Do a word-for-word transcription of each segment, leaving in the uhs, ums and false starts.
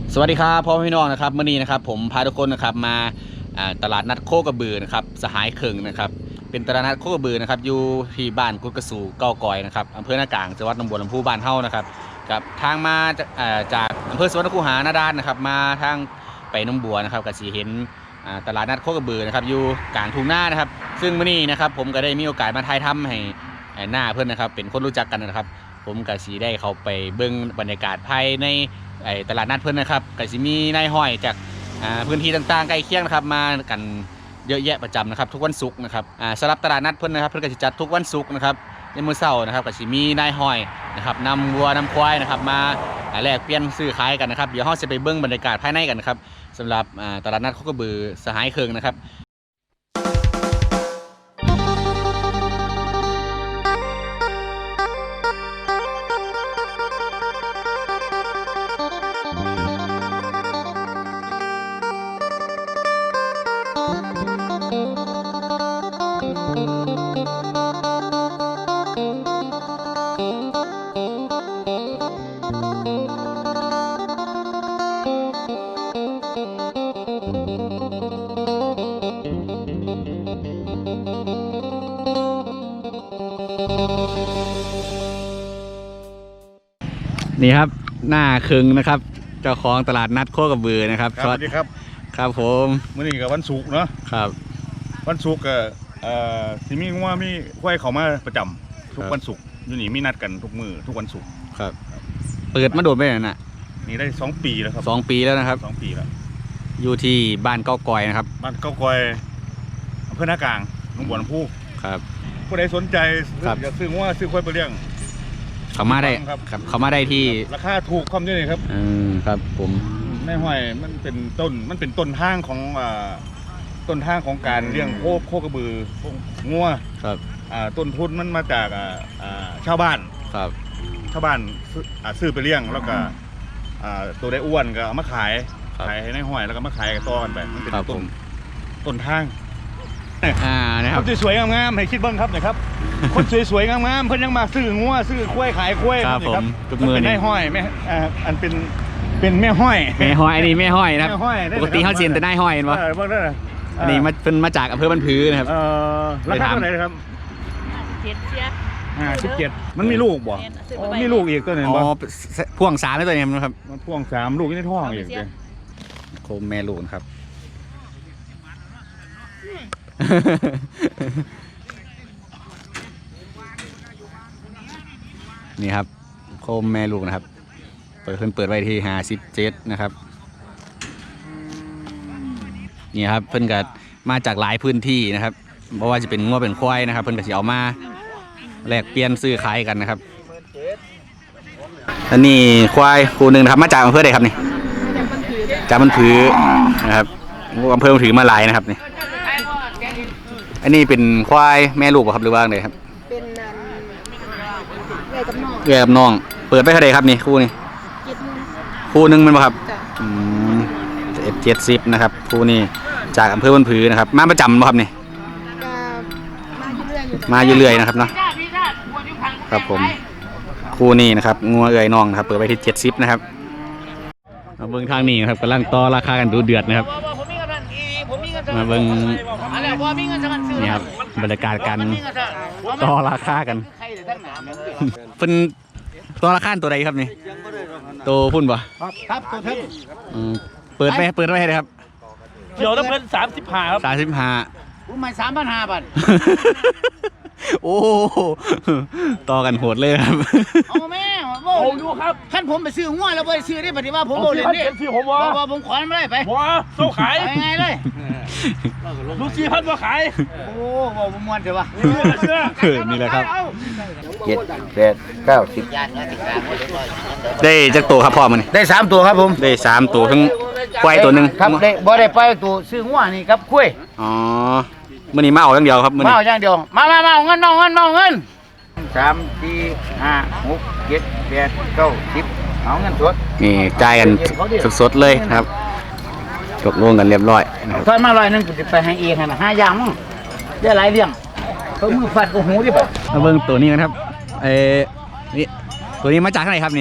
สวัสดีครับพ่อพี่น้องนะครับมื่อนี้นะครับผมพาทุกคนนะครับมาตลาดนัดโคกระบือนะครับสหายเคิงนะครับเป็นตลาดนัดโคกระบือนะครับอยู่ที่บ้านกุดกระสูเก้ากอยนะครับอำเภอหน้ากลางจังหวัดหนองบัวลำพูบ้านเฮ้านะครับกับทางมาจากอำเภอสวนคูหาหน้าด้านนะครับมาทางไปหนองบัวนะครับกับสีเห็นตลาดนัดโคกระบือนะครับอยู่กลางทุ่งนานะครับซึ่งมื่อนี้นะครับผมก็ได้มีโอกาสมาถ่ายทำให้หน้าเพื่อนนะครับเป็นคนรู้จักกันนะครับผมกับสีได้เขาไปเบิ้งบรรยากาศภายในไอ้ตลาดนัดเพื่อนนะครับก็จะมีนายห้อยจากพื้นที่ต่างๆใกล้เคียงนะครับมากันเยอะแยะประจำนะครับทุกวันศุกร์นะครับสำหรับตลาดนัดเพื่อนนะครับเพื่อนก็จะจัดทุกวันศุกร์นะครับในมื้อเช้านะครับก็จะมีนายห้อยนะครับนำวัวนำควายนะครับมาแลกเปลี่ยนซื้อขายกันนะครับเดี๋ยวเราจะไปเบิ้งบรรยากาศภายในกันนะครับสำหรับตลาดนัดโคกระบือสหายเคิงนะครับนี่ครับหน้าเคิงนะครับเจ้าของตลาดนัดโคกระบือนะครับสวัสดีครับครับผมมื่อนี้กับวันศุกร์เนาะครับวันศุกร์ก็เอ่อที่มีว่ามีควายเขามาประจำทุกวันศุกร์อยู่นี่มีนัดกันทุกมือทุกวันศุกร์ครับเปิดมาโดดไปไหนน่ะนี่ได้สองปีแล้วครับสองปีแล้วนะครับสองปีแล้วอยู่ที่บ้านเก้ากอยนะครับบ้านเก้ากอยอำเภอหน้ากลางหนองบัวลำพูครับผู้ใดสนใจอยากซื้อว่าซื้อควายไปเลี้ยงเขามาได้ครับเขามาได้ที่ราคาถูกความด้วยครับอืมครับผมแม่ห้อยมันเป็นต้นมันเป็นต้นทางของอ่าต้นทางของการเลี้ยงโคโคกระบืองัวครับอ่าต้นทุนมันมาจากอ่าอ่าชาวบ้านครับชาวบ้านซื้อไปเลี้ยงแล้วก็อ่าตัวได้อ้วนก็เอามาขายขายให้ในห้อยแล้วก็มาขายกันต่อกันไปมันเป็นต้นต้นทางอ่านะครับคนสวยๆงามๆให้คิดบ้างครับนะครับคนสวยๆงามๆเพิ่นยังมาซื้องัวซื้อควายขายควายครับผมทุกมือเป็นแม่ห้อยแม่อ่าอันเป็นเป็นแม่ห้อยแม่ห้อยอันนี้แม่ห้อยนะครับปกติเขาเซียนแต่ได้ห้อยเห็นปะอันนี้มันเป็นมาจากอำเภอบ้านผือนะครับเออราคาเท่าไหร่ครับเจ็ดเจ็ดห้าสิบเจ็ดมันมีลูกบ่มีลูกอีกตัวหนึ่งบ่พ่วงสามตัวนี้นะครับมันพ่วงสามลูกในท้องอีกเลยโคมแม่ลูกครับนี่ครับโคมแม่ลูกนะครับเปิดเพิ่นเปิดไว้ที่ห้าสิบเจ็ดนะครับนี่ครับเพิ่นก็มาจากหลายพื้นที่นะครับเพราะว่าจะเป็นงัวเป็นควายนะครับเพิ่นก็จะเอามาแลกเปลี่ยนซื้อขายกันนะครับอันนี้ควายคู่หนึ่งนะครับมาจากอำเภอใดครับนี่จากมันผือนะครับอำเภอมันผือมาหลายนะครับนี่อันนี้เป็นควายแม่ลูกครับหรือว่าไงครับเป็นแม่กับน้องแม่กับน้องเปิดไปเท่าไหร่ครับนี่คู่นี้คู่หนึ่งมันป่ะครับอืมเจ็ดสิบนะครับคู่นี้จากอำเภอบ้านผือนะครับมาประจำป่ะครับนี่มาเรื่อยๆนะครับเนาะครับผมคู่นี้นะครับงัวเอื่อยน้องนะครับเปิดไปที่เจ็ดสิบนะครับมาเบิ้งทางนี้นะครับกำลังต่อราคากันดูเดือดนะครับมาเบิ้งนี่ครับบรรยากาศกันต่อราคากันเป็นต่อราคาตัวใดครับนี่ตัวพุ่นป่ะครับตัวเท่าเปิดไปเปิดไปเลยครับเดี๋ยวต้องเป็นสามสิบห้าครับสามสิบห้าอุ้มมาสามพันห้าบาทโอ้ต่อกันโหดเลยครับเอาแม่โอ้ดูครับขั้นผมไปซื้อหัวแล้วไปซื้อได้ปฏิวัติผมโบเลยนี่ผมว่าผมขอไม่ได้ไปว้าโซ่ขายไงเลยลูกซีพันว่าขายโอ้โหผมมวนเถอะวะนี่แหละครับเจ็ดแปดเก้าสิบได้จักตัวครับพ่อมันได้สามตัวครับผมได้สามตัวทั้งควายตัวหนึ่งครับได้บ่ได้ไปตัวซื้อหัวนี่ครับคุยอ๋อมื่อนี้มาเอาอย่างเดียวครับมื่อนี้มาเอาอย่างเดียวมามามาเอาเงินเอาเงินเอาเงินสามสี่ห้าหกเจ็ดแปดเก้าสิบเอาเงินสดนี่จ่ายกันสดๆเลยครับตกลงกันเรียบร้อยทอดมาลอยนึงกูจะไปให้เองนะห้าอย่างมั้งได้หลายเรื่องเขามือฟัดกับหูดิบ่มาเบิ่งตัวนี้กันครับเอ้นี่ตัวนี้มาจากไหนครับนี่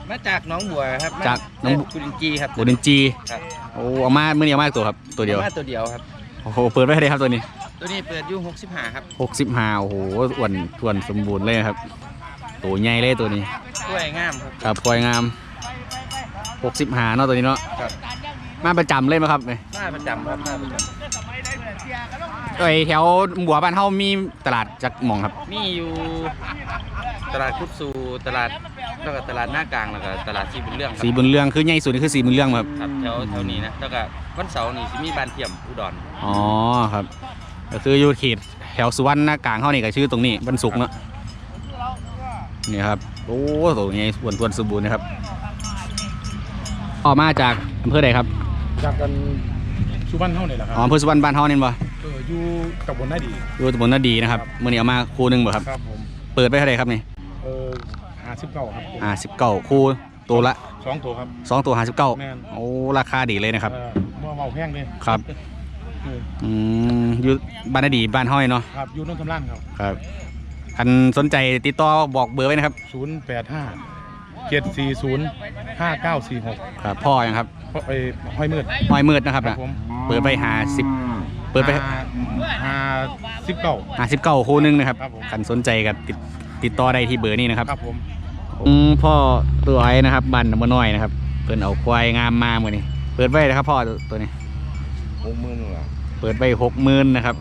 มาจากหน้องบัวครับจากหนองบัวกุลินจีครับโบเดนจีครับโอ้เอามาเมื่อนี้เอามาตัวครับตัวเดียวมาตัวเดียวครับโอ้โหเปิดไว้ให้ได้ครับตัวนี้ตัวนี้เปิดอยู่หกสิบห้าครับหกสิบห้าโอ้โหอ้วนอ้วนสมบูรณ์เลยครับตัวใหญ่เลยตัวนี้กล้วยงามครับครับพลอยงามหกสิบห้าเนาะตัวนี้เนาะครับมาประจำเลยไหมครับเนี่ยมาประจำครับมาประจไอแถวบัวบ้านเฮามีตลาดจักหม่องครับำมีอยู่ตลาดคุดสูตลาดแล้วก็ตลาดหน้ากลางแล้วก็ตลาดสีบุญเรื่องครับสีบุญเรื่องคือใหญ่สุดนี่คือสีบุญเรื่องครับครับแถวแถวนี้นะแล้วก็วันเสาร์นี่สิมีบ้านเทียมอุดรอ๋อครับก็คืออยู่เขตแถวสุวรรณหน้ากลางเฮานี่ก็ชื่อตรงนี้บรรสุกเนาะนี่ครับโอ้ตัวใหญ่อ้วนทวนสมบูรณ์นะครับออกมาจากอำเภอใดครับจากกันสุวรรณเท่าไหร่ล่ะครัอ๋ออำเภอสุวรรณบ้านเฮานี่บ่เอออยู่ตำบลนาดีอยู่ตำบลนาดีนะครับมื้อนี้เอามาคู่หนึงบ่ครับครับผมเปิดไว้เท่าไหร่ครับนี่เออหาสิบเก้าครับผมอ่าสิบเก้าคู่ตัวละสองตัวครับสองตัวห้าสิบเก้าแม่นโอ้ราคาดีเลยนะครับเออเมื่อเมาแพงเลยครับเอออืมอยู่บ้านนาดีบ้านเฮานี่เนาะครับอยู่นนทำล่างครับครับคันสนใจติดต่อบอกเบอร์ไว้นะครับศูนย์แปดห้าเจ็ดสี่ศูนย์ห้าเก้าสี่หกครับพ่อยังครับไอ้ห้อยมืดห้อยมืดนะครับครันะบผมเปิดไปหาสิบเปิดไปหาหาสิบเก้าหาสิบเก้าคู่หนึงนะครับครับผมคันสนใจกับติดติดต่อได้ที่เบอร์นี้นะครับครับผมอืมพ่อตัวไอ้นะครับบันมาน้อยนะครับเพิ่นเอาควายงามมาเมื่อนี้เปิดไว้นะครับพ่อตัวนี้หกหมื่นหรอเปิดไว้หกหมื่นนะครับ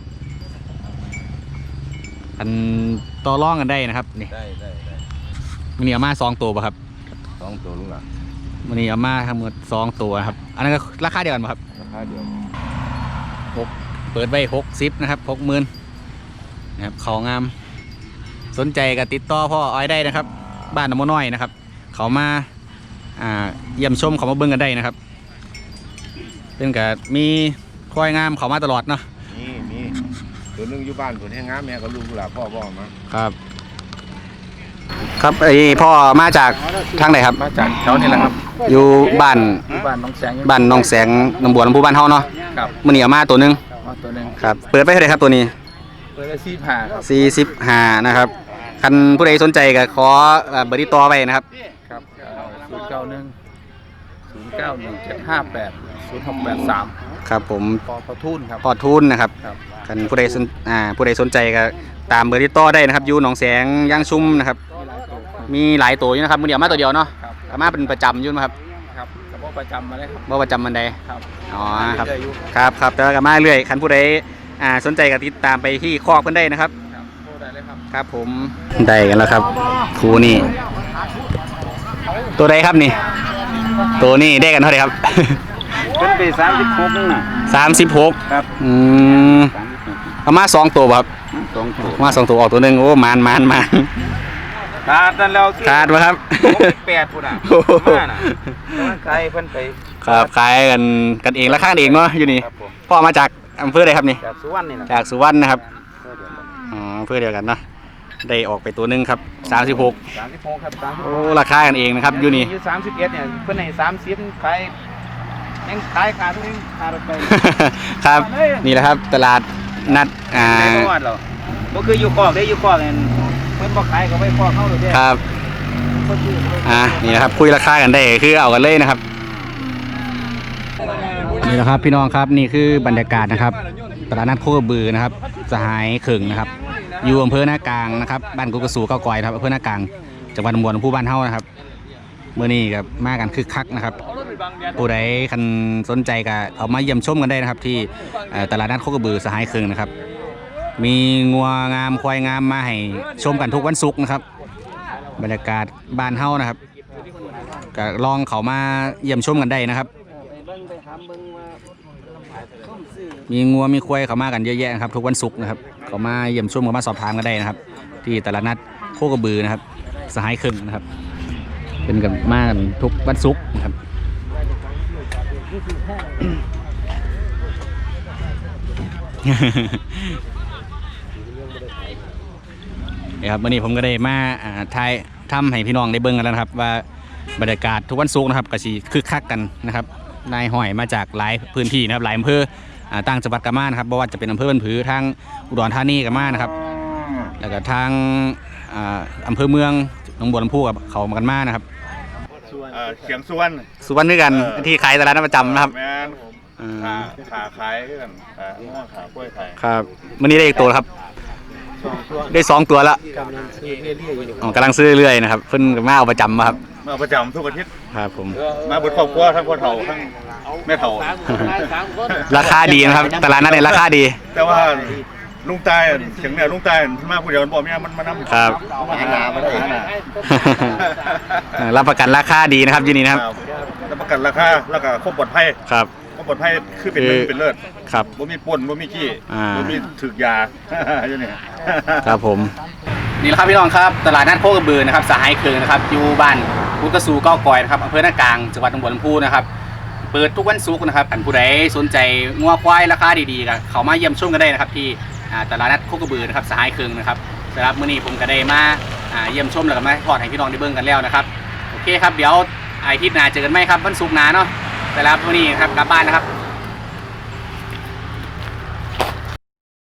อันต่อรองกันได้นะครับนี่ได้ได้ได้มันนี้เอามาสองตัวป่ะครับสองตัวลุงหล่ะมันนี้เอามาทั้งหมดสองตัวครับอันนั้นก็ราคาเดียวกันป่ะครับราคาเดียวเปิดไว้หกสิบนะครับหกหมื่นนะครับเขางามสนใจกับติดต่อพ่ออ้อยได้นะครับ บ้านน้ำมันน้อยนะครับ เขามาอ่าเยี่ยมชมเขามาเบิ่งกันได้นะครับเป็นกับมีควายงามเขามาตลอดเนาะนี่มีตัวนึงอยู่บ้านตัวนี้งามแม่ก็ลุงหล่ะพ่อบอกมาครับ ครับไอพ่อมาจากทางไหนครับมาจากแถวนี้แหละครับอยู่บ้านอยู่บ้านน้องแสงบ้านหนองแสงลำบัวลำพูบ้านเฮาเนาะครับมื้อนี้เอามาตัวหนึงมาตัวนึงครับเปิดไปเท่าไหร่ครับตัวนี้เปิดได้สี่ผ่าครับสี่สิบห้านะครับคันผู้ใดสนใจก็ขอเอ่อเบอร์ติดต่อไว้นะครับครับศูนย์เก้าหนึ่งศูนย์เก้าหนึ่งเจ็ดห้าแปดศูนย์หกแปดสามครับผมปอประทุนครับปอดทุนนะครับครับคันผู้ใดสนอ่าผู้ใดสนใจก็ตามเบอร์ติดต่อได้นะครับอยู่หนองแสงย่างชุ่มนะครับ มีหลายตัวอยู่นะครับมื้อเดียวมาตัวเดียวเนาะครับเอามาเป็นประจำอยู่นะครับครับกระบอกประจำมาเลยครับบ่ประจำมันใดครับอ๋อครับเรื่อยๆอยู่ครับครับแต่ว่าก็มาเรื่อยคันผู้ใดอ่าสนใจก็ติดตามไปที่คอกเพิ่นได้นะครับครับโทรได้เลยครับครับผมได้กันแล้วครับครูนี่ตัวใดครับนี่ ตัวนี้ได้กันเท่าไหร่ครับเป็นไปสามสิบหกนึงน่ะสามสิบหกครับอืมเอามาสองตัวบ่ครับสองตัวเอามาสองตัวออกตัวหนึ่งโอ้มานมานมานขาดนั่นแล้วขาดปะครับแปดพุ่นอ่ะโอ้โหมาน่ะแล้วใครเพิ่นไปครับขายกันกันเองราคากันเองเนาะอยู่นี่ครับผมพ่อมาจากอำเภอใดครับนี่จากสุวรรณนี่นะจากสุวรรณนะครับเพื่อเดียวกันอ๋ออำเภอเดียวกันเนาะได้ออกไปตัวหนึ่งครับสามสิบหกสามสิบหกครับสามสิบโอ้ราคากันเองนะครับอยู่นี่อยู่สามสิบเอ็ดเนี่ยเพิ่นให้สามสิบขายยังขายขาดทุกขาดออกไปครับนี่แหละครับตลาดนัดอ่าในประวัติเราบ่คืออยู่คอกได้อยู่คอกเนี่ยเพิ่นบ่ขายก็ไม่คอกเฮาเลยเด้ครับเพิ่นซื้ออ่านี่นะครับคุยราคากันได้คือเอากันเลยนะครับนี่แหละครับพี่น้องครับนี่คือบรรยากาศนะครับตลาดนัดโคกระบือนะครับสหายเข่งนะครับอยู่อำเภอหน้ากลางนะครับบ้านกุกกระสูเก้ากอยนะครับอำเภอหน้ากลางจังหวัดอุบลผู้บ้านเฮานะครับเมื่อนี้กับมากันคึกคักนะครับผู้ใดคันสนใจก็เอามาเยี่ยมชมกันได้นะครับ ที่เอ่อตลาดนัดโคกระบือสหายเข่งนะครับมีงัวงามควายงามมาให้ชมกันทุกวันศุกร์นะครับบรรยากาศบ้านเฮานะครับก็ลองเขามาเยี่ยมชมกันได้นะครับ มีงัวมีควายเขามากันเยอะแยะนะครับทุกวันศุกร์นะครับเขามาเยี่ยมชมเขามาสอบถามกันได้นะครับ ที่ตลาดนัดโคกระบือนะครับสหายครึ่งนะครับ เป็นกันมากันทุกวันศุกร์นะครับ นี่ครับวันนี้ผมก็ได้มาอ่าถ่ายทำให้พี่น้องได้เบิ่งกันแล้วนะครับ ว่าบรรยากาศทุกวันศุกร์นะครับก็สิคึกคักกันนะครับนายห้อยมาจากหลายพื้นที่นะครับหลายอำเภออ่าต่างจังหวัดกามานะครับเพราะว่าจะเป็นอำเภอบันผือทางอุดรธานีกามานะครับแล้วก็ทางอ่าอำเภอเมืองหนองบัวลำพูกับเขามากันมานะครับส่วนเอ่อเสียงส่วนสุวรรณด้วยกันที่ขายตลาดนัดประจำนะครับแม่นอืมขาขาขายกันขาหัวขากล้วยขายครับวันนี้ได้อีกตัวแล้วครับ ได้สองตัวละอ๋อกำลังซื้อเรื่อยๆนะครับเพิ่นก็มาเอาประจำมาครับมาประจำทุกอาทิตย์ครับผมมาบนครอบครัวทั้งพ่อเฒ่าทั้งแม่เฒ่าราคาดีนะครับตลาดนัดเนี่ยราคาดีแต่ว่าลุงตายเสียงเนี่ยลุงตายมาผู้เดียวมันบอกเมียมันมานำครับหาหนามาได้หาหนารับประกันราคาดีนะครับอยี่นี่นะครับรับประกันราคาแล้วก็ควบปลอดภัยครับควบปลอดภัยคือเป็นเลิศเป็นเลิศครับบ่มีป่นบ่มีขี้อ่าบ่มีถึกยา อยู่นี่ครับผมนี่แหละครับพี่น้องครับตลาดนัดโคกระบือนะครับสหายเคืองนะครับอยู่บ้านพุทธสูเก้ากอยนะครับอำเภอหน้ากลางจังหวัดหนองบัวลำพูนะครับเปิดทุกวันศุกร์นะครับท่านผู้ใดสนใจงัวควายราคาดีๆก็เข้ามาเยี่ยมชมกันได้นะครับที่อ่าตลาดนัดโคกระบือนะครับสหายเคืองนะครับสำหรับมื้อนี้ผมก็ได้มาอ่าเยี่ยมชมแล้วก็มาทอดให้พี่น้องได้เบิ่งกันแล้วนะครับโอเคครับเดี๋ยวอาทิตย์หน้าเจอกันไหมครับวันศุกร์หน้าเนาะสำหรับมื้อนี้ครับกลับบ้านนะครับ